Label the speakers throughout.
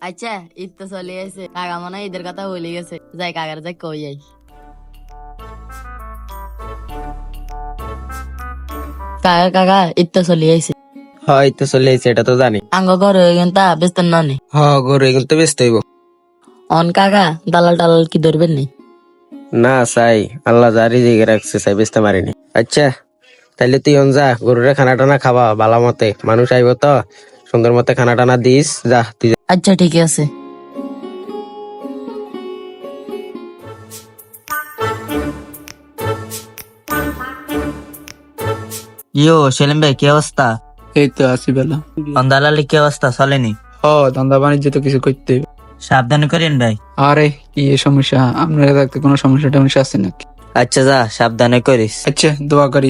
Speaker 1: আচ্ছা ঈদ তো চলে গেছে, কাকা মনে হয় ঈদের কথা ভুলে গেছে। যাই কাকার যাই কই যাই। কাকা কাকা ঈদ তো চলে গেছে,
Speaker 2: হয় তো চলে আইছে, এটা তো জানি।
Speaker 1: আঙ্গ ঘর হয়ে গেন তা ব্যস্ত নয়।
Speaker 2: গরু এগুলো তো ব্যস্ত হইব
Speaker 1: অন কাকা দালাল টালাল কি ধরবেন নি?
Speaker 2: না। চাই আল্লাহ জারি জিগে রাখছে, চাই বেচতে মারিনি। আচ্ছা তাইলে তুই অন যা, গরুরে খানা টানা খাবা বালা মতে, মানুষ আইব তো সুন্দর মতে খানা টানা দিস। যা তুই যা।
Speaker 1: আচ্ছা ঠিক আছে।
Speaker 3: ইয়ো সেলিম ভাই, কি অবস্থা?
Speaker 4: এই তো আছি বেলা।
Speaker 3: দালালি কি অবস্থা, চলেনি?
Speaker 4: ধন্দা বাণিজ্য তো কিছু করতে হবে।
Speaker 3: সাবধানে করেন ভাই।
Speaker 4: আরে কি এ সমস্যা, আপনারা থাকতে কোনো সমস্যা টমস্যা আছে নাকি?
Speaker 3: আচ্ছা যা, সাবধানে করিস।
Speaker 4: আচ্ছা দোয়া করি।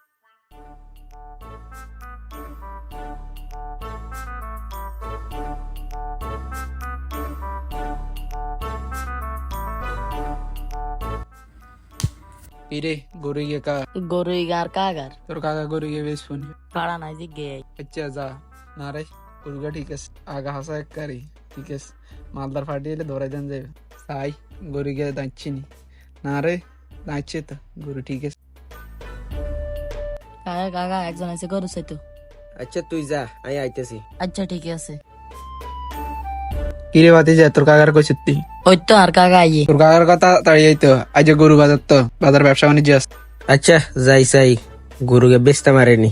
Speaker 4: কিরে গরু গিয়ে
Speaker 1: গরু গার কাকার
Speaker 4: তোর কাকা গরু গিয়ে বেশ ফোন।
Speaker 1: পাড়া নাই যে গে।
Speaker 4: আচ্ছা যা। না রে গরুগা ঠিক আছে, আগা হাসা এক কারি ঠিক আছে। মালদার ফাটি এলে ধরাই দেন যাবে। তাই গরু গিয়ে দাঁড়ছি নি। না রে দাঁড়ছে তো, গরু ঠিক আছে।
Speaker 1: কাকা কাকা একজন আছে গরু চাইতো।
Speaker 2: আচ্ছা তুই যা, আমি আইতেছি।
Speaker 1: আচ্ছা ঠিক আছে।
Speaker 4: কিরে বাতি যায় তোর কাকার কইছিস তুই?
Speaker 1: ওই তো আর কাকা আইয়ে।
Speaker 4: তোর কাকার কথা তাড়িয়ে তো আজ গরু বাজার, তো বাজার ব্যবসা বাণিজ্য আছে।
Speaker 2: আচ্ছা যাই চাই, গরুকে বেচতে মারিনি।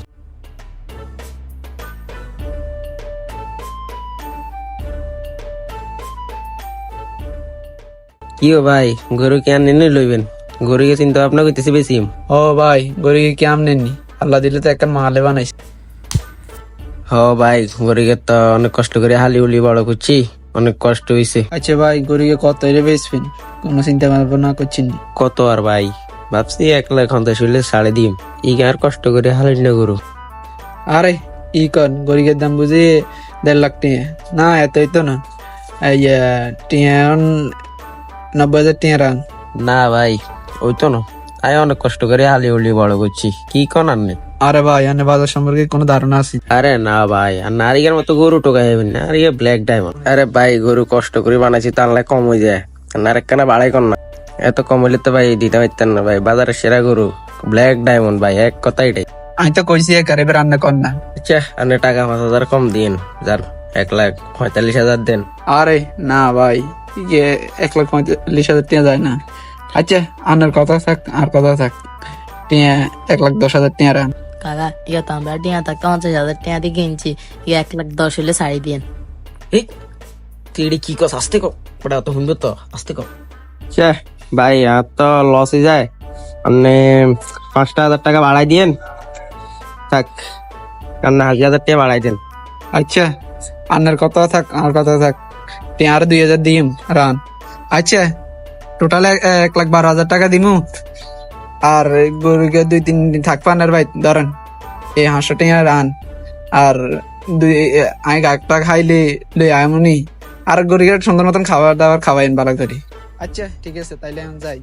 Speaker 2: কি ও ভাই, গরু কে আনি লইবেন? গরুকে চিন্তা ভাবনা করতেছি বেশি।
Speaker 4: ও ভাই গরুকে কি আমনেননি? আল্লাহ দিলে তো একটা মালে বানাইছে।
Speaker 2: ভাই গরুকে তো অনেক কষ্ট করে হালি উলি বড় করছি, অনেক কষ্ট হইছে।
Speaker 4: আচ্ছা ভাই গরুকে কত এর বেচবেন? কোনো চিন্তা ভাবনা করছেন?
Speaker 2: কত আর ভাই, ভাবছি 1 লাখ হন্তে শুনলে 3.5 ই আর কষ্ট করে হালি না গরু।
Speaker 4: আরে ই কন গরুকের দাম বুঝি 1.5 লাখ টাকা না, এতই তো না। এই টিয়া 90,000 টাকা রান।
Speaker 2: না ভাই ওই তো না, আমি অনেক কষ্ট করে হালি উলি বড় করছি, কি কনার নেই।
Speaker 4: আরে ভাই এনে বাজার সম্পর্কে কোনো ধারণা আছে?
Speaker 2: আরে না ভাই, আর নারিকের মতো গরু টোকা যাবেন না, আর ব্ল্যাক ডায়মন্ড। আরে ভাই গরু কষ্ট করে বানাইছি, তার লাই কম হয়ে যায়। নারেক কানা বাড়াই কর না, এত কম হইলে তো ভাই দিতে পারতেন না ভাই। বাজারের সেরা গরু ব্ল্যাক ডায়মন্ড ভাই, এক কথা এটাই।
Speaker 4: আমি তো কইছি একারে রান্না কর না।
Speaker 2: আচ্ছা আপনি টাকা 5,000 কম দিন, যান 1,45,000 দেন।
Speaker 4: আরে না ভাই, 1,45,000 টাকা যায় না। আচ্ছা আনার কথা থাক, আর কথা থাক। টিয়া 1,10,000 টাকা রান।
Speaker 1: কাকা ইয়া তো আমরা টিয়া থাকতে 50,000 টাকা দিয়ে কিনছি, ইয়া 1,10,000 হলে শাড়ি দিয়েন।
Speaker 2: এই তুই এটি কি কস, আস্তে কর, ওটা তো শুনবে তো, আস্তে কর। আচ্ছা ভাই আর তো লস হয়ে যায়, আপনি 5,000 টাকা বাড়াই দিয়েন। থাক আপনি 1,000 টাকা বাড়াই দেন।
Speaker 4: আচ্ছা আনার কথা থাক, আর কথা থাক। টিয়া আর 2,000 দিম রান। আচ্ছা টোটাল 1,12,000 টাকা দিমু। আর গরুকে 2-3 দিন থাকবা আনার ভাই, ধরেন এই 500 টাকা রান। আর আমি গাকটা খাইলে লই আমনি। আর গরুকে সুন্দর মতন খাবার দাবার খাওয়াইন ভালো করে। আচ্ছা ঠিক আছে তাইলে আমি যাই।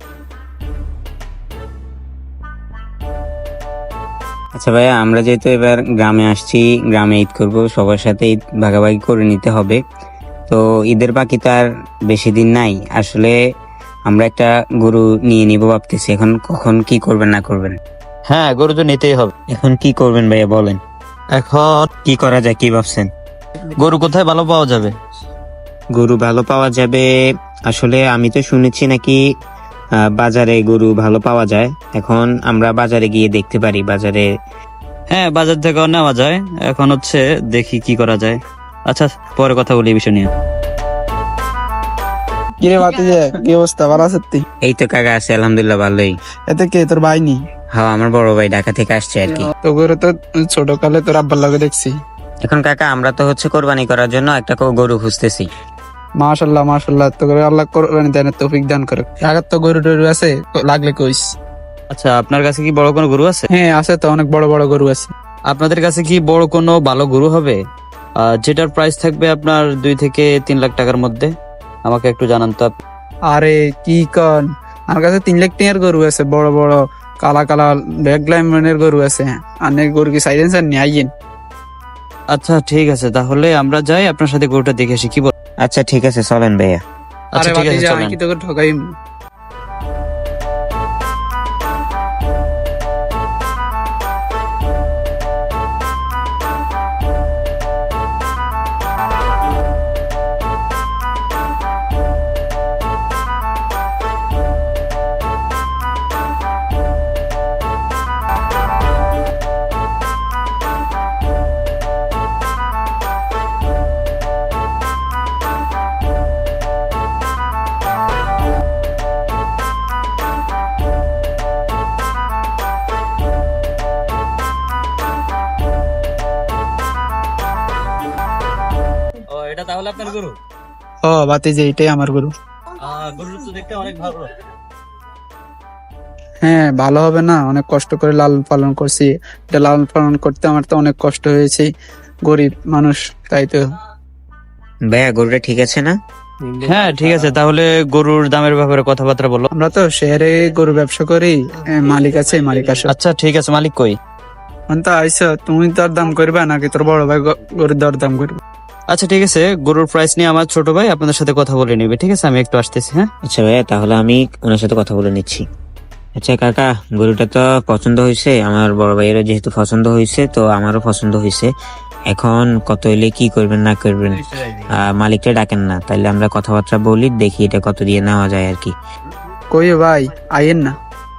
Speaker 5: আচ্ছা ভাইয়া, আমরা যেহেতু এবার গ্রামে আসছি, গ্রামে ঈদ করব, সবার সাথে ঈদ ভাগাভাগি করে নিতে হবে। তো ঈদের বাকি তো আর বেশি দিন নাই। আসলে আমরা একটা গরু নিয়ে নিব ভাবতেছি, এখন কখন কি করবেন না করবেন?
Speaker 3: হ্যাঁ, গরু তো নিতেই হবে।
Speaker 5: এখন কি করবেন ভাইয়া বলেন,
Speaker 3: এখন
Speaker 5: কি করা যায়, কি ভাবছেন?
Speaker 3: গরু কোথায় ভালো পাওয়া যাবে?
Speaker 5: গরু ভালো পাওয়া যাবে, আসলে আমি তো শুনেছি নাকি বাজারে গরু ভালো পাওয়া যায়। এখন আমরা বাজারে গিয়ে দেখতে পারি, বাজারে।
Speaker 3: হ্যাঁ, বাজার থেকেও নেওয়া যায়। এখন হচ্ছে দেখি কি করা যায়। আচ্ছা পরে কথা বলি এই বিষয় নিয়ে।
Speaker 4: কিরে বাতি যে কি অবস্থা, ভালো আছিস তুই?
Speaker 5: এই তো কাকা আছে আলহামদুলিল্লাহ, ভালোই।
Speaker 4: এতে কে তোর ভাই নি?
Speaker 5: হ্যাঁ, আমার বড় ভাই ঢাকা থেকে আসছে আর কি।
Speaker 4: তো গরু তো ছোট কালে তোর আব্বার লগে দেখছি।
Speaker 5: এখন কাকা আমরা তো হচ্ছে কোরবানি করার জন্য একটা গরু খুঁজতেছি।
Speaker 4: মাশাল্লাহ মাশাল্লাহ, তো করে আল্লাহ কোরবানি দেন, তৌফিক দান করে। আগের তো গরু টরু আছে, লাগলে কইস।
Speaker 3: আচ্ছা আপনার কাছে কি বড় কোনো গরু আছে?
Speaker 4: হ্যাঁ আছে তো, অনেক বড় বড় গরু আছে।
Speaker 3: আপনাদের কাছে কি বড় কোনো ভালো গরু হবে যেটার প্রাইস থাকবে আপনার 2 থেকে 3 লাখ টাকার মধ্যে? আমাকে একটু জানান তো।
Speaker 4: আরে কি কন, আমার কাছে 3 লাখ টাকার গরু আছে, বড় বড় কালা কালা ব্ল্যাক ডায়মন্ডের গরু আছে। অনেক গরু কি সাইলেন্সার নিয়ে আইয়েন।
Speaker 3: আচ্ছা ঠিক আছে, তাহলে আমরা যাই, আপনার সাথে গরুটা দেখে আসি, কি বল?
Speaker 5: আচ্ছা ঠিক আছে চলেন ভাইয়া।
Speaker 3: আচ্ছা
Speaker 4: আরে
Speaker 3: ঠিক আছে
Speaker 4: ভাতিজা, আমি
Speaker 3: চলেন।
Speaker 4: কি তোকে ঠকাইম?
Speaker 3: ও এটা তাহলে আপনার গরু?
Speaker 4: ও ভাতিজা, এটাই আমার গরু।
Speaker 3: গরু তো দেখতে অনেক ভালো।
Speaker 4: হ্যাঁ, ভালো হবে না? অনেক কষ্ট করে লালন পালন করছি। এটা লালন পালন করতে আমার তো অনেক কষ্ট হয়েছে, গরিব মানুষ, তাই তো।
Speaker 5: ভাইয়া গরুটা ঠিক আছে না?
Speaker 3: হ্যাঁ ঠিক আছে, তাহলে গরুর দামের ব্যাপারে কথাবার্তা বলো।
Speaker 4: আমরা তো শহরে গরু ব্যবসা করি, মালিক আছে, মালিক আসো।
Speaker 3: আচ্ছা ঠিক আছে, মালিক কই?
Speaker 4: তো আইসো, তুমি দর দাম করবা নাকি তোর বড় ভাই গরুর দর দাম করবে?
Speaker 3: আচ্ছা ঠিক আছে, গরুর প্রাইস নিয়ে আমার ছোট ভাই আপনাদের সাথে কথা বলে নেবে, ঠিক আছে? আমি একটু আসতেছি। হ্যাঁ
Speaker 5: আচ্ছা ভাইয়া, তাহলে আমি ওনার সাথে কথা বলে নিচ্ছি। আচ্ছা কাকা, গরুটা তো পছন্দ হয়েছে, আমার বড় ভাইয়েরও যেহেতু পছন্দ হয়েছে, তো আমারও পছন্দ হয়েছে। এখন কত হইলে কি করবেন না করবেন মালিকটা ডাকেন না, তাহলে আমরা কথাবার্তা বলি, দেখি এটা কত দিয়ে নেওয়া যায় আর কি।
Speaker 4: কই ভাই, আইয়েন না।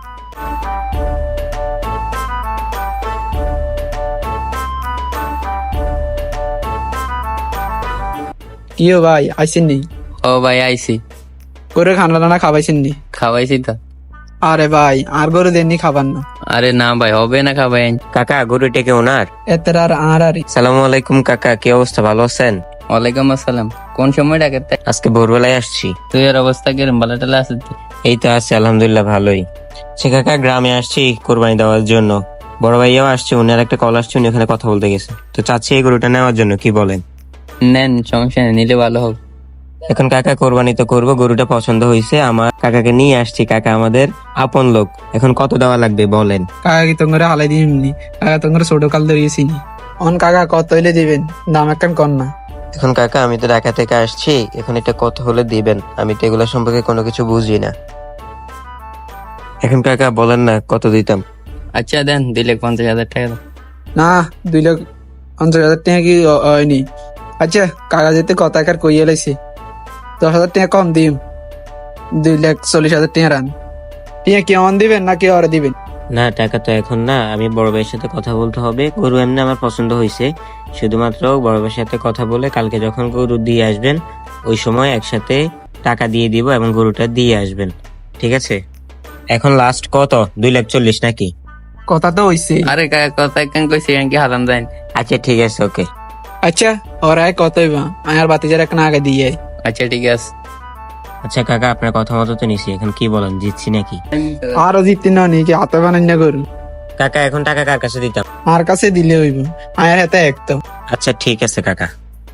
Speaker 4: কিও ভাই, আইসেন নি?
Speaker 6: ও ভাই আইছি,
Speaker 4: করে খানা টানা খাবাইছেন নি?
Speaker 6: খাওয়াইছি তো।
Speaker 4: আরে ভাই, আর গরু দেননি খাবার না?
Speaker 6: আরে না ভাই, হবে না খাওয়াই।
Speaker 5: কাকা গরুটা কে ওনার?
Speaker 4: এতে আর আরই।
Speaker 5: সালামু আলাইকুম কাকা, কি অবস্থা, ভালো আছেন?
Speaker 6: ওয়ালাইকুম আসসালাম। কোন সময় ডাকাতে?
Speaker 5: আজকে ভোরবেলায় আসছি।
Speaker 6: তুই এর অবস্থা কিরম, ভালো টালা আছে?
Speaker 5: এই তো আছি আলহামদুলিল্লাহ ভালোই। সে কাকা, গ্রামে আসছি কোরবানি দেওয়ার জন্য, বড় ভাইয়াও আসছে, উনি আর একটা কল আসছে, উনি ওখানে কথা বলতে গেছে, তো চাচ্ছি এই গরুটা নেওয়ার জন্য, কি বলেন?
Speaker 6: নেন, সমস্যা নেই, নিলে ভালো হোক।
Speaker 5: এখন কাকা কোরবানি তো করবো, গরুটা পছন্দ হয়েছে আমার, কাকাকে নিয়ে আসছি, কাকা আমাদের আপন লোক, এখন কত দেওয়া লাগবে বলেন?
Speaker 4: কাকা কি তোমরা হালাই দিইনি? কাকা তোমরা ছোট কাল ধরিয়েছি নি। অন কাকা কত হইলে দিবেন? দাম একখান কর না।
Speaker 5: এখন কাকা আমি তো ঢাকা থেকে আসছি, এখন এটা কত হলে দিবেন? আমি তো এগুলো সম্পর্কে কোনো কিছু বুঝি না। এখন কাকা বলেন না কত দিতাম?
Speaker 6: আচ্ছা দেন, 2,50,000 টাকা দেন।
Speaker 4: না, 2,50,000 টাকা কি হয়নি? আচ্ছা কাকা যেতে কত একার কইয়া লাইছে, 10,000 টাকা কম দিম, 2,40,000 টাকা রান। টিয়া কি অন দিবেন নাকি ওরা দিবেন?
Speaker 5: না টাকা তো এখন না, আমি বড় ভাইয়ের সাথে কথা বলতে হবে, গরু এমনি আমার পছন্দ হয়েছে, শুধুমাত্র বড় ভাইয়ের সাথে কথা বলে কালকে যখন গরু দিয়ে আসবেন ওই সময় একসাথে টাকা দিয়ে দিব এবং গরুটা দিয়ে আসবেন, ঠিক আছে? এখন লাস্ট কত, 2,40,000 নাকি?
Speaker 4: কথা তো হইছে।
Speaker 6: আরে কাকা কথা একখান কইছি, কি হারাম দেন?
Speaker 5: আচ্ছা ঠিক আছে, ওকে।
Speaker 4: আচ্ছা ওরা কত হইবা? আর বাতিজার একটা আগে দিয়ে আই।
Speaker 6: আচ্ছা ঠিক আছে।
Speaker 5: আচ্ছা কাকা, আপনার কথা মতো তো নিছি, এখন কি বলেন, জিতছি নাকি?
Speaker 4: আরো জিততে না নি কি হাতে বানাই না গরু?
Speaker 5: কাকা এখন টাকা কার কাছে দিতাম?
Speaker 4: আর কাছে দিলে হইব, আয়ার হাতে এক তো।
Speaker 5: আচ্ছা ঠিক আছে কাকা।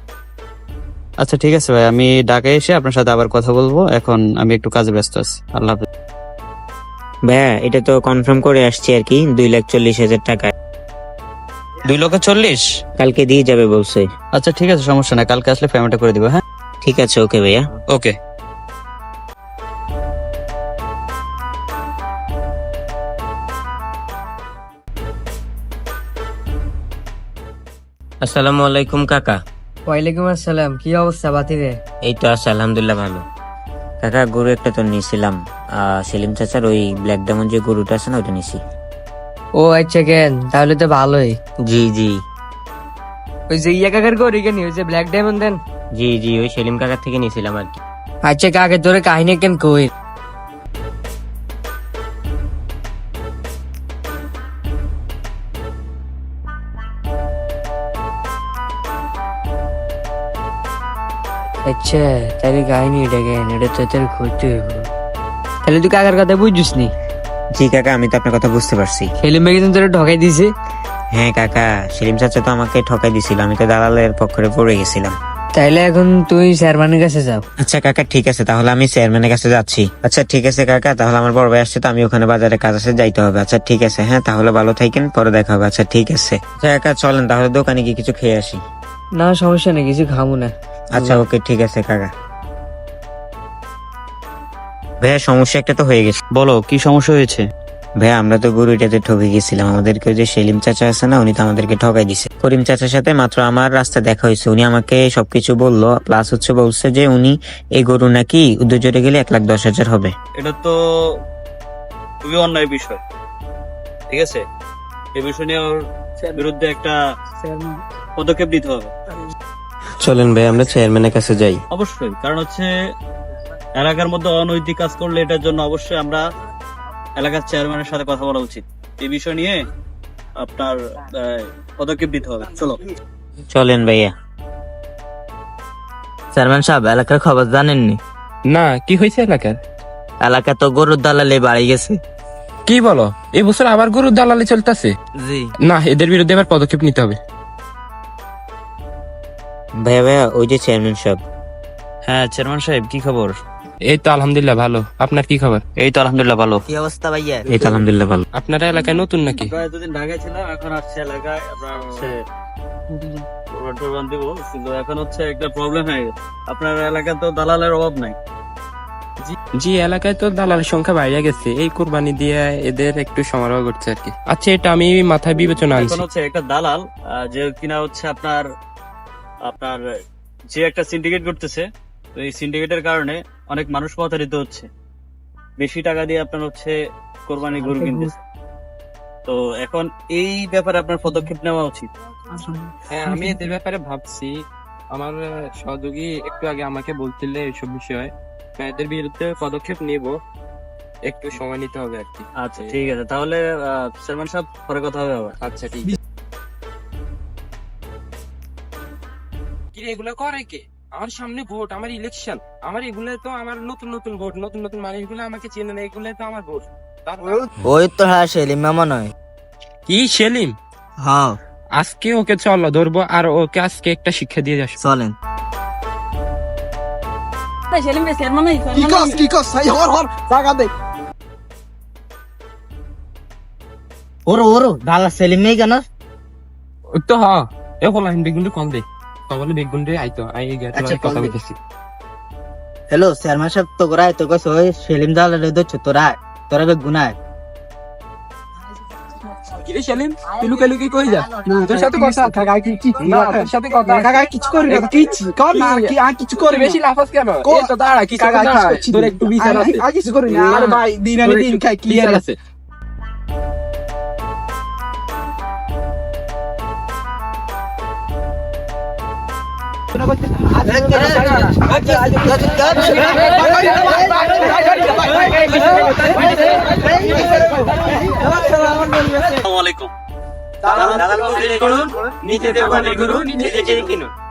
Speaker 3: আচ্ছা ঠিক আছে ভাই, আমি ঢাকায় এসে আপনার সাথে আবার কথা বলবো, এখন আমি একটু কাজে ব্যস্ত আছি। আল্লাহ হাফেজ।
Speaker 5: ভাইয়া এটা তো কনফার্ম করে আসছি আর কি, 2,40,000 টাকা
Speaker 3: 2,40,000?
Speaker 5: কালকে দিয়ে যাবে বলছে।
Speaker 3: আচ্ছা ঠিক আছে, সমস্যা নাই, কালকে আসলে পেমেন্টটা করে দিব। হ্যাঁ
Speaker 5: ঠিক আছে, ওকে ভাইয়া।
Speaker 3: ওকে।
Speaker 5: আসসালামু আলাইকুম কাকা।
Speaker 7: ওয়ালাইকুম আসসালাম। কি অবস্থা বাতিরে?
Speaker 5: এই তো আছে আলহামদুলিল্লাহ ভালো। কাকা গরু একটা তো নিয়েছিলাম, সেলিম চাচার ওই ব্ল্যাক ডায়মন্ড যে গরুটা আছে না, ওটা নিছি।
Speaker 7: ও আচ্ছা, কেন তাহলে তো ভালোই।
Speaker 5: জি জি
Speaker 7: ওই যে ইয়া কাকার গরু কেন, ওই যে ব্ল্যাক ডায়মন্ড দেন?
Speaker 5: জি জি ওই সেলিম কাকার থেকে নিয়েছিলাম আর কি।
Speaker 7: আচ্ছা কাকে তোরে কাহিনী কেন কই? আচ্ছা তাহলে কাহিনী এটা কেন, এটা তো তোর ঘুরতে হইব। তাহলে তুই কাকার কথা বুঝছিস নি?
Speaker 5: জি কাকা, আমি তো আপনার কথা বুঝতে পারছি।
Speaker 7: সেলিম ভাই কিন্তু তোরে ঠকাই দিছে।
Speaker 5: হ্যাঁ কাকা, সেলিম চাচা তো আমাকে ঠকাই দিছিল, আমি তো দালালের পক্ষে পড়ে গেছিলাম।
Speaker 7: তাইলে এখন তুই চেয়ারম্যানের কাছে যাও।
Speaker 5: আচ্ছা কাকা ঠিক আছে, তাহলে আমি চেয়ারম্যানের কাছে যাচ্ছি। আচ্ছা ঠিক আছে কাকা, তাহলে আমার বড় ভাই আসছে, তো আমি ওখানে বাজারে কাজ আছে, যাইতে হবে। আচ্ছা ঠিক আছে, হ্যাঁ তাহলে ভালো থাকেন, পরে দেখা হবে। আচ্ছা ঠিক আছে। আচ্ছা কাকা চলেন তাহলে দোকানে গিয়ে কিছু খেয়ে আসি।
Speaker 7: না সমস্যা নেই, কিছু খামু না।
Speaker 5: আচ্ছা ওকে ঠিক আছে কাকা। ভাইয়া সমস্যা একটা তো হয়ে গেছে।
Speaker 3: বলো কি সমস্যা হয়েছে?
Speaker 5: ভাইয়া আমরা তো গরুটাতে ঠকে গেছিলাম, আমাদেরকে ওই যে সেলিম চাচা আছে না, উনি তো আমাদেরকে ঠকাই দিছে। করিম চাচার সাথে মাত্র আমার রাস্তা দেখা হয়েছে, উনি আমাকে সবকিছু বললো, প্লাস হচ্ছে বলছে যে উনি এই গরু নাকি উদ্যোজরে গেলে 1,10,000 হবে।
Speaker 3: এটা তো খুবই অন্যায় বিষয়, ঠিক আছে? এই বিষয় নিয়ে ওর বিরুদ্ধে একটা পদক্ষেপ নিতে হবে।
Speaker 2: চলেন ভাই আমরা চেয়ারম্যানের কাছে যাই।
Speaker 3: অবশ্যই, কারণ হচ্ছে এলাকার মধ্যে অনৈতিক কাজ করলে এটার জন্য অবশ্যই আমরা এলাকার চেয়ারম্যানের সাথে কথা বলা উচিত। এই বিষয় নিয়ে আপনার পদক্ষেপ নিতে হবে। চলো
Speaker 5: চলেন ভাইয়া।
Speaker 7: চেয়ারম্যান সাহেব, এলাকার খবর জানেননি?
Speaker 8: না, কি হয়েছে এলাকার?
Speaker 7: এলাকা তো গরুর দালালে বাড়ি গেছে।
Speaker 8: কি বলো, এই বছর আবার গরুর দালালি চলতেছে?
Speaker 7: জি।
Speaker 8: না, এদের বিরুদ্ধে আবার পদক্ষেপ নিতে হবে।
Speaker 5: ভাইয়া ভাইয়া ওই যে চেয়ারম্যান সাহেব।
Speaker 3: হ্যাঁ চেয়ারম্যান সাহেব, কি খবর?
Speaker 8: এই তো আলহামদুলিল্লাহ ভালো, আপনার কি খবর?
Speaker 3: এই তো আলহামদুলিল্লাহ ভালো।
Speaker 7: কি অবস্থা ভাইয়া?
Speaker 5: এই তো আলহামদুলিল্লাহ ভালো।
Speaker 8: আপনারা এলাকায় নতুন নাকি?
Speaker 3: এতদিন ঢাকায় ছিলাম, এখন আসছে এলাকায়। আপনার হচ্ছে প্রোগ্রাম দিব, কিন্তু এখন হচ্ছে একটা প্রবলেম হয়ে গেছে। আপনার এলাকায় তো দালালের অভাব নাই।
Speaker 8: জি, এলাকায় তো দালালের সংখ্যা বাইরে গেছে, এই কোরবানি দিয়ে এদের একটু সমারোহ করছে আর কি। আচ্ছা, এটা আমি মাথায় বিবেচনা
Speaker 3: এখন
Speaker 8: আনছি।
Speaker 3: হচ্ছে একটা দালাল যে কিনা হচ্ছে আপনার আপনার যে একটা সিন্ডিকেট করতেছে, তো এই সিন্ডিকেটের কারণে অনেক মানুষ প্রতারিত হচ্ছে। বেশি টাকা দিয়ে আপনার হচ্ছে কোরবানি গরু কিনতেছে। তো এখন এই ব্যাপারে আপনার পদক্ষেপ নেওয়া উচিত।
Speaker 8: হ্যাঁ, আমি এদের ব্যাপারে ভাবছি। আমার সহযোগী একটু আগে আমাকে বলছিলে এইসব বিষয়ে, এদের বিরুদ্ধে পদক্ষেপ নিব, একটু সময় নিতে হবে আর কি।
Speaker 3: আচ্ছা ঠিক আছে, তাহলে চেয়ারম্যান সাহেব পরে কথা হবে আবার।
Speaker 8: আচ্ছা ঠিক আছে। কি রে, এগুলো করে কে? আমার সামনে ভোট, আমার ইলেকশন, আমার এগুলো তো আমার নতুন নতুন ভোট, নতুন নতুন মানুষগুলো আমাকে চেনে না, এগুলো তো আমার ভোট।
Speaker 7: ওই তো হ্যাঁ সেলিম মামা নয়?
Speaker 8: কি সেলিম?
Speaker 7: হ্যাঁ
Speaker 8: আজকে ওকে চলো ধরবো, আর ওকে আজকে একটা শিক্ষা দিয়ে যাস।
Speaker 7: চলেন। ওরো দালা সেলিম নেই কেন?
Speaker 8: ওই তো হ্যাঁ, এ হলাইন বেগুনটা কম দে, কমলে বেগুনটা আইতো আই
Speaker 7: আচ্ছা,
Speaker 8: কথা
Speaker 7: কম দে।
Speaker 8: বলতেছি।
Speaker 7: হ্যালো চেয়ারম্যান সাহেব, তো গোরাই তো কইছ ওই সেলিম দালালে দচ্ছ তোরা বেগুনায়।
Speaker 8: কি রে সেলিম, তুই লুকে লুকে কই যা? তোর সাথে কথা কাকা, তোর সাথে কথা কাকা, কিছু করি না, কিছু কর না, কি আর কিছু করি বেশি লাফাস কেন? এই তো দাঁড়া, কিছু দাঁড়া, তোর একটু বিচার আছে। আর কিছু করি না, আরে ভাই দিন আনি দিন খাই, ক্লিয়ার আছে।
Speaker 3: আসসালামু আলাইকুম।
Speaker 2: নিজে দেওয়া গরু নিজে কিনুন।